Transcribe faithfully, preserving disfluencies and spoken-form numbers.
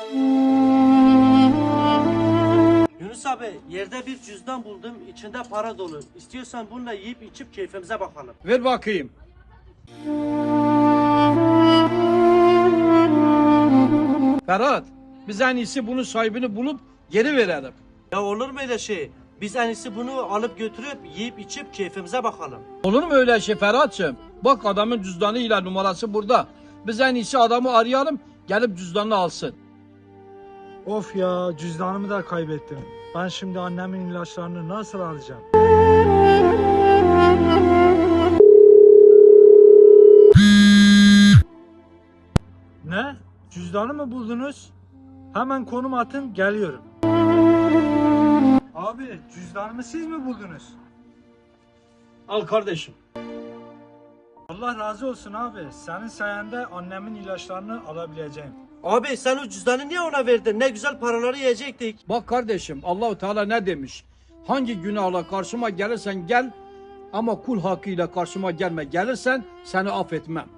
Yunus abi, yerde bir cüzdan buldum, içinde para dolu. İstiyorsan bununla yiyip içip keyfimize bakalım. Ver bakayım. Ferhat, biz en iyisi bunun sahibini bulup geri verelim. Ya olur mu öyle şey? Biz en iyisi bunu alıp götürüp yiyip içip keyfimize bakalım. Olur mu öyle şey Ferhat'cığım? Bak adamın cüzdanıyla numarası burada. Biz en iyisi adamı arayalım, gelip cüzdanını alsın. Of ya, cüzdanımı da kaybettim. Ben şimdi annemin ilaçlarını nasıl alacağım? Ne? Cüzdanı mı buldunuz? Hemen konum atın, geliyorum. Abi, cüzdanımı siz mi buldunuz? Al kardeşim. Allah razı olsun abi. Senin sayende annemin ilaçlarını alabileceğim. Abi sen o cüzdanı niye ona verdin? Ne güzel paraları yiyecektik. Bak kardeşim, Allahu Teala ne demiş? Hangi günahla karşıma gelirsen gel ama kul hakkıyla karşıma gelme. Gelirsen seni affetmem.